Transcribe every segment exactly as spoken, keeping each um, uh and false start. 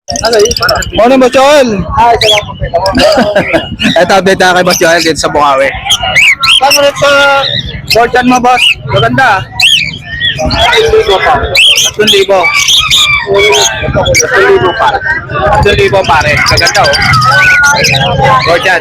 Morning, Boss Joel. Ay, salamat po. Ito, update tayo kay Boss Joel dito sa Bukawi. Paano rin sa Fortune mo, boss? Maganda. Tatlong libo. Tatlong libo pare. Tatlong libo pare. Maganda, oh. Fortune.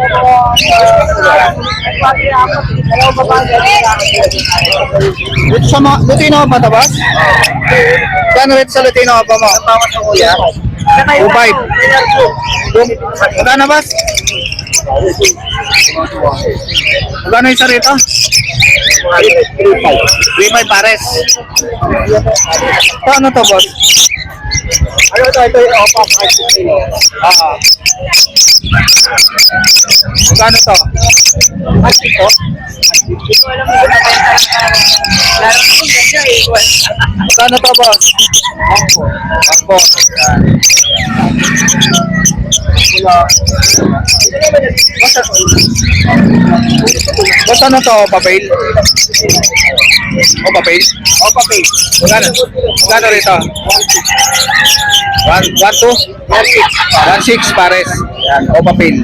Dito sa mga, Lutino pa ito, boss? Paano rin sa Lutino pa mo? two five. Magkano, boss? Magkano yung isa rito? three five pares. Ito ano to, boss? Ano to? Ito yung opa. Oo. Magkano to? At ito? Hindi ko alam mo. Lalo ko ganda eh. Magkano to, boss? Ako. Ako. Boss, ano to? Papel? O, papel? O, papel. Magkano? Magkano rito? one, one, two? one, six. one, six pares. Yan, o, papel.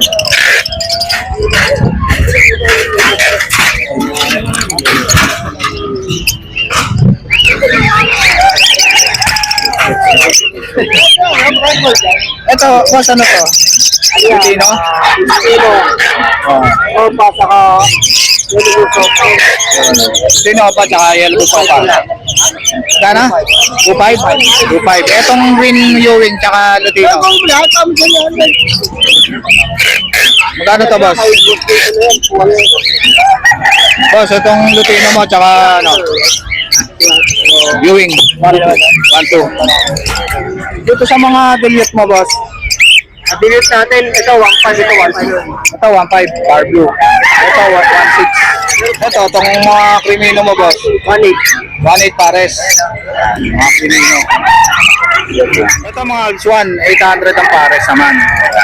Ito, boss, ano to? Filipino? Filipino. Oh. Opa, saka yellow sopa. Sino pa tsaka yellow sopa? Kana? two five? two five. Etong green Ewing tsaka Lutino. Magkano to, boss? Boss, itong Lutino mo tsaka ano? Ewing. one two. Dito sa mga dilute mo, boss. Abilit natin, ito one five, ito one five. Ito one five, bar blue. Ito one six. Ito, itong mga krimino mo, boss. one eight. one eight pares. Mga krimino. Ito mga Alps one, eight hundred ang pares naman.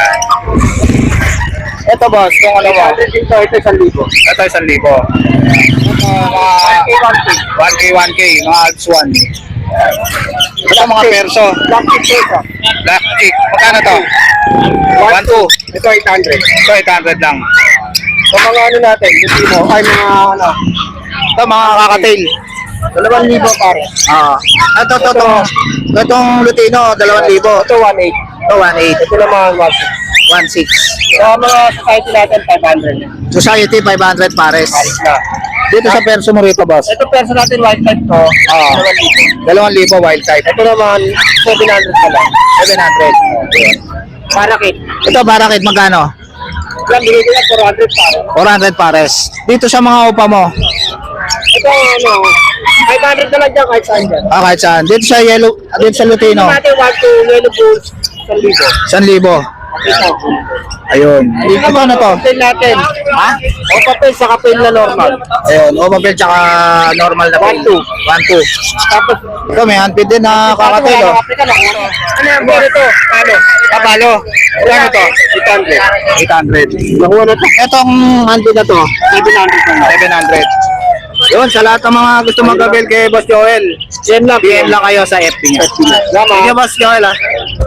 Ito, boss, itong ano mo? Ito, ito isang libo. Ito isang libo. Ito mga one K, one K, mga Alps one. Ito mga perso. Black tip ito. Black chick. Magkano to? one two. Ito eight hundred. Ito eight hundred lang. So mga ano natin, Lutino, ay mga ano, Ito mga kakatail. dalawang libo pare. Ah. Ito, ito, ito. Itong Lutino, dalawang libo. Ito one eight. Ito one eight. Ito naman one six. one six. So mga society natin five hundred. Society five hundred pares. Paris na. Dito sa perso mo rito, boss. Ito perso natin white type to. Ah. dalawang libo. dalawang libo wild type. Ito naman seven hundred na lang. seven hundred. Parakit. Ito, barakit, magkano? Lang bigay ko na four hundred pare. four hundred pares. Dito sa mga upa mo. Ito ano, five hundred na lang dyan kahit saan dyan. Ah, kahit saan. Dito sa yellow, dito sa Lutino. Ito natin one two yellow bulls, one libo. one libo. Ito. Ayun. Dito ba na to? Papel natin. Ha? O papel sa kapel na normal. Ayun, o papel tsaka normal na one two. one two. Tapos, Ito, may handpid din na kakatail, oh. Afrika lang. Ano yung biro to? Ano? Kapalo. Ano to? eight hundred. eight hundred. Nakuha na to. Etong handpid na to, seven hundred na lang. seven hundred. Yun, sa lahat ng mga gusto mag-avail kay Boss Joel, Yan lang. P M lang kayo sa F B niya. Salamat. Thank you, Boss Joel, ha.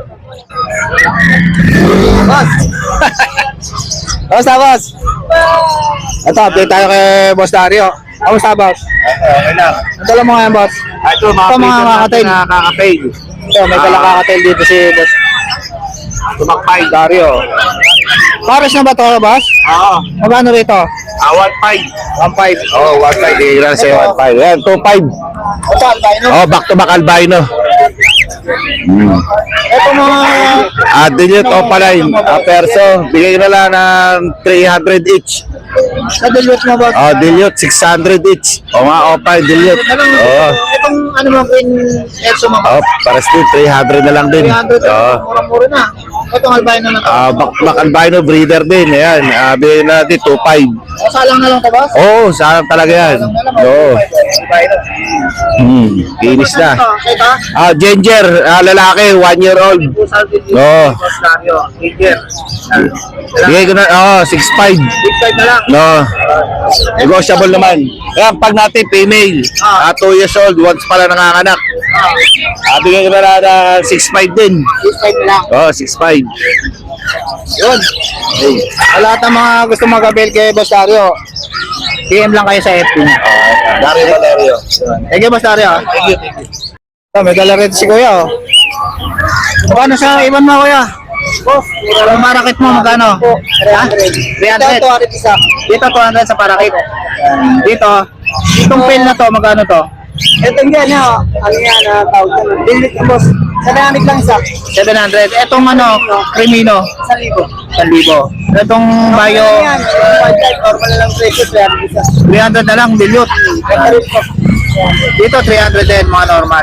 Boss! Kamusta, boss? Ito, update tayo kay Boss Dario. Kamusta, boss? Okay lang. Ito lang mo ngayon, boss. Ito, mga Ito, mga freezer natin kakatail. na kakatail. Ito, may dalang kakatail dito si Boss Tumakpay. Dario. Pares na ba ito, boss? Oo. Magkano rito? Ah, one five. one five. Oh, one five. Ilan sa'yo? one five. Yan, two five. Ito, albino. Oh, back to back albino. Hmm. Ito mga... Ah, dilute o palay. Ah, perso. Bigay na lang ng three hundred each. Sa dilute mo, boss? Oh, dilute, six hundred each. O nga, o pa, dilute. Oh. Itong ano mo, green Elso mo. Oh, pares din, three hundred na lang din. three hundred. Oh. Mura-mura na. Itong albino na to. Ah, back, back albino breeder din. Ayan, ah, bigay natin two five. O, salang na lang to, boss? Oo, saan talaga yan. Salang na lang. Oo. Albino. Hmm, kinis na. Ito, ito. Ah, ginger, ah, lalaki, one year old. Pusal din dito. Oo. Boss Dario. Ginger. Bigay ko na, oo, six five. Big side na lang. No. Negotiable naman. Kaya pag natin female, ah, two years old, once pala nanganganak. Ah, bigay ko na lang na six five din. Big side na lang. Oh, six five. Yun. Sa lahat ng mga gusto mag-avail kay Boss Dario, P M lang kayo sa F B niya. Dario Valerio. Thank you, Boss Dario. Thank you, thank you. Oh, may dala rin si Kuya, oh. Magkano sa iban mo, Kuya? Boss, yung parakit mo, magkano? Ha? three hundred. Dito, two hundred sa parakit. Dito, itong pail na to, magkano to? Ito yan, ha? Ano yan, ah, tawag yan. Dilit na, boss. Sa dynamic lang isa. seven hundred. Etong ano, Crimino, Sa libo. one thousand. Etong Bayo, Ano yan? White type, normal na lang presyo. Kaya isa. three hundred na lang, dilute. Ito rin po. Dito, three hundred din, mga normal.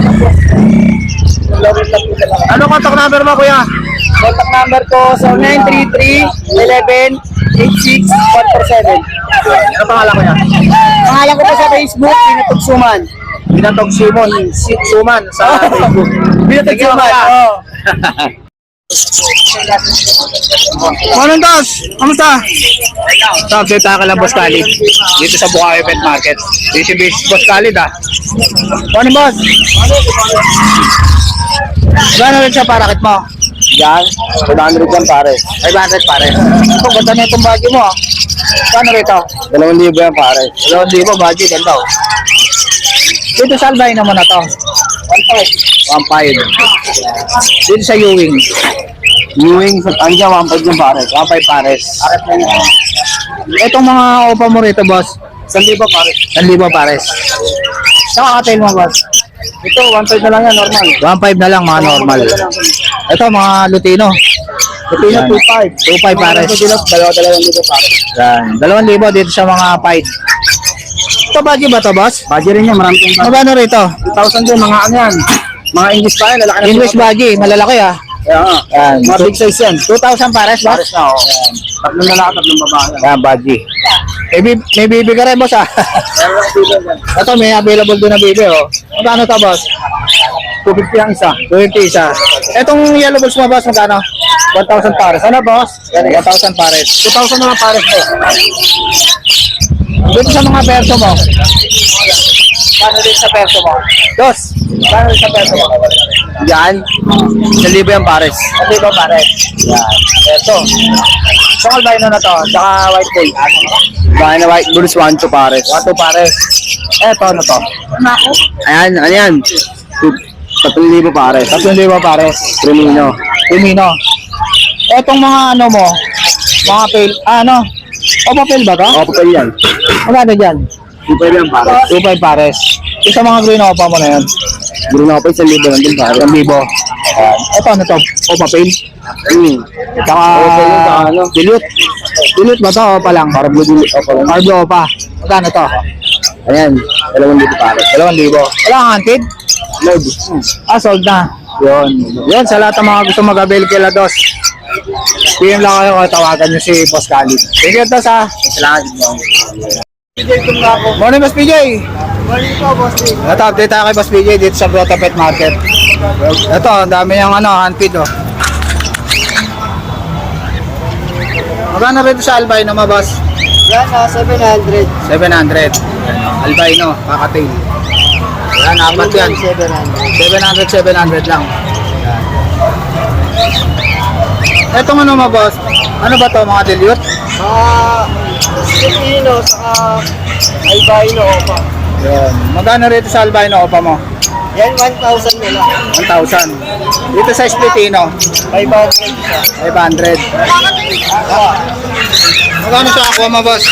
Lawin lang po talaga. Ano contact number mo, Kuya? Contact number ko sa nine three three, eleven, eight six, one four seven. Ano pangalan, Kuya? Pangalan ko po sa Facebook, Pinatog Suman. Binatog Simon, si Suman sa Facebook. Pinatog Thank you, Suman. Kuya. Oo. Morning, Boss! Kamusta? Ito, update tayo lang, Boss Khalid. Dito sa Bukawi Pet Market. Dito si Boss Khalid, ah. Morning, Boss! Gano'n rin siya parakit mo? Yan, one hundred yan pare. five hundred pare. Ito, ganda na itong bagyo mo, ah. Gano'n rito? Dalawang libo yan pare. Dalawang libo, bagyo, ganda, oh. Dito sa albino mo na to. one five. one five. Dito sa Ewing. Ewing, andyan, one five yan pare. one five pares. Itong mga opa mo rito, boss. Isang libo pare. one libo pares. Saka katail mo, boss. Ito, one five na lang yan, normal. one five na lang, mga normal. Ito, mga Lutino. Lutino, Yan. two five. two five pares. Dalawa-dalawang libo pare. Yan. Dalawang libo dito sa mga five. Ito, bagyo ba to, boss? Budget rin yan, marami kong Magkano rito? two thousand din, mga ano yan. Mga English pa yan, lalaki na. English baggy, malalaki, ah. Kaya nga. Yan. Mga big size yan. two thousand pares, boss? Pares na, oh. Tatlong lalaki, tatlong babae. Yan, baggy. May, bib- may bibi ka rin, boss, ah. Meron ako dito yan. Ito, may available doon na bibi, oh. Magkano to, boss? two fifty ang isa. two fifty isa. Etong yellow balls mo, boss, magkano? one thousand pares. Ano, boss? one thousand pares. two thousand naman pares po. Dito sa mga perso mo. Paano din sa perso mo? Dos. Paano din sa perso mo? Yan. Isang libo yan pares. Hindi ba pares? Yan. Perso. Itong albino na to, tsaka white tail. Bahay na white bulls, one to pares. One two pares. Eto, ano to? Ayan, ano yan? Tatlong libo pares. Tatlong libo pares. Crimino. Lumino. Etong mga ano mo, mga pail, ah, ano? O papel ba to? Opo kayo yan. Magkano dyan? Di pwede yan pares. two five pares. Yung sa mga green opa mo na yun. Guro na ako pa isang libo lang din pares. one libo. Ayan. Ito, ano to? O papel? Hmm. Saka, Opa yun, saka ano? dilute. Dilute ba to o pa lang? Para blue din. Opo lang. Carbo o pa? Magkano to? Ayan. Dalawang libo pares. Dalawang libo. Wala kang antid? Load. Ah, sold na. Yun. Yun, sa lahat ng mga gusto mag-avail kay Lados. P M lang kayo o tawagan nyo si Boss Khalid. Thank you, Tos, ha. Salamat. P J kung ako. Morning, Boss P J. Morning po, boss. Ito, update tayo kay Boss P J dito sa Grotto Pet Market. Ito, ang dami yung ano, hand feed, oh. Magkano rito sa albino mo, boss? Yan, ah, seven hundred. seven hundred. Albino, kakatail. Yan, apat yan. seven hundred. seven hundred, seven hundred lang. Yan. Etong ano mo, boss? Ano ba to, mga dilute? Ah, Filipino, saka albino opa. Yan. Magkano rito sa albino opa mo? Yan, one thousand na lang. one thousand. Dito sa Splitino, five hundred isa. five hundred. Ah, Magkano sa aqua mo, boss?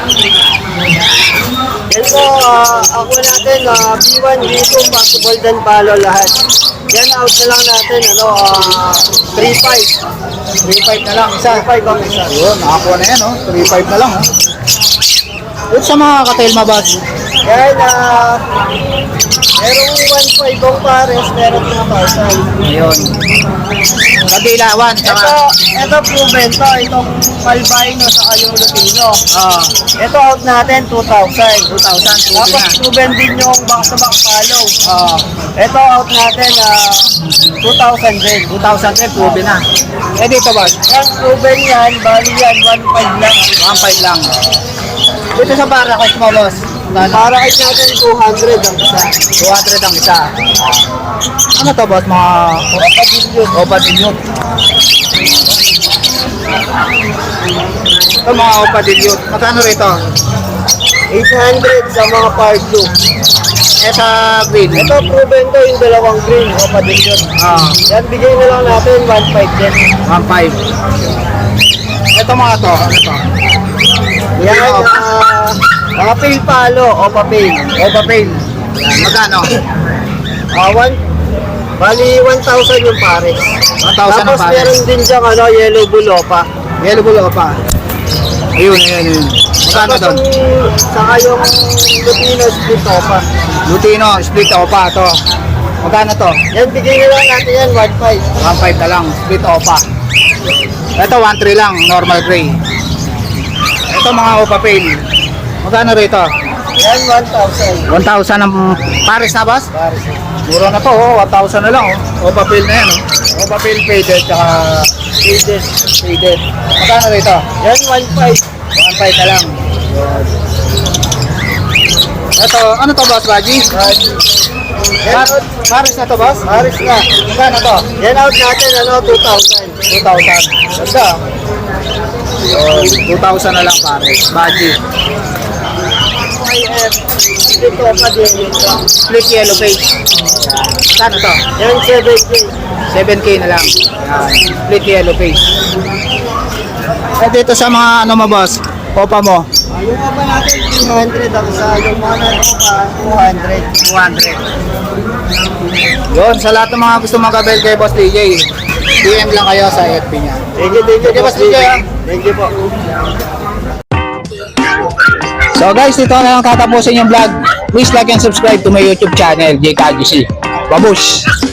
yan po, ah, ako natin, ah, B one, B two, possible dan palo lahat. Yan, out na lang natin, ano, ah, three five. three five na lang isa. three five ang isa. Yun, nakakuha na yan, oh. three five na lang, oh. Dito sa mga katail mo, boss? Yan, ah, Merong one point five ang pares, meron two thousand. Ayun. Kabila, one. Ito, Saka, ito proven to, itong Palbino sa yung Lutino. ah, Ito out natin, two thousand. two thousand, two Tapos na. proven din yung back-to-back follow. Ah, Ito out natin, ah, two thousand din. two thousand din, proven na. Eh, dito, boss. Yan, proven yan, bali yan, one point five lang. one five lang. Dito sa Barakot mo, boss. Para kahit natin two hundred ang isa. two hundred ang isa. Ano to, boss? Mga Opa Dilute. Ito mga Opa Dilute. Magkano rito? eight hundred sa mga part two. Eh, sa green. Ito proven to yung dalawang green o padilyon. Ah, Yan, bigay na lang natin one five din. one five. Ito mga to. Ano to? Yan, Ito, ah, mga pale palo o papel. Opa Pain. Yan, magkano? Ah, one, bali one thousand yung pares. one thousand ang Tapos pares. meron din diyang ano, yellow bulopa. Yellow bull Opa. Ayun, ayun, ayun. Magkano Tapos doon? yung, saka yung Lutino split opa. Lutino, split Opa to. Magkano to? Yan, bigay na lang natin yan, one five. one five na lang, split Opa. Ito, one three lang, normal gray. Ito mga Opa Pain. Magkano rito? Yan, one thousand. one thousand ang pares na, boss? Pares. Mura na to, oh. one thousand na lang, oh. Opa Pain na yan, oh. Opa Pain faded, tsaka Faded. faded. Magkano rito? Yan, one five. one five na lang. Ito, ano to, boss, Baji? Yan, Par out, pares na to, boss? pares na. Magkano to? Yan out natin, ano, two thousand. two thousand. Ganda. Yun, two thousand na lang, pares. Baji. Y F, split opa din yun. Split yellow face. Magkano to? Yan, seven K. seven K na lang. Yan. Split yellow face. Eh, dito sa mga ano mo, boss? Opa mo? Ah, yung opa natin, two hundred. Ang sa yung mga opa, two hundred. two hundred. Yun, sa lahat ng mga gusto magkabel kay Boss D J, D M lang kayo sa F B niya. Thank you, thank you, Sige, Boss D J, ah. Thank you po. So guys, ito na lang katapusin yung vlog. Please like and subscribe to my YouTube channel, J K G C. Babush!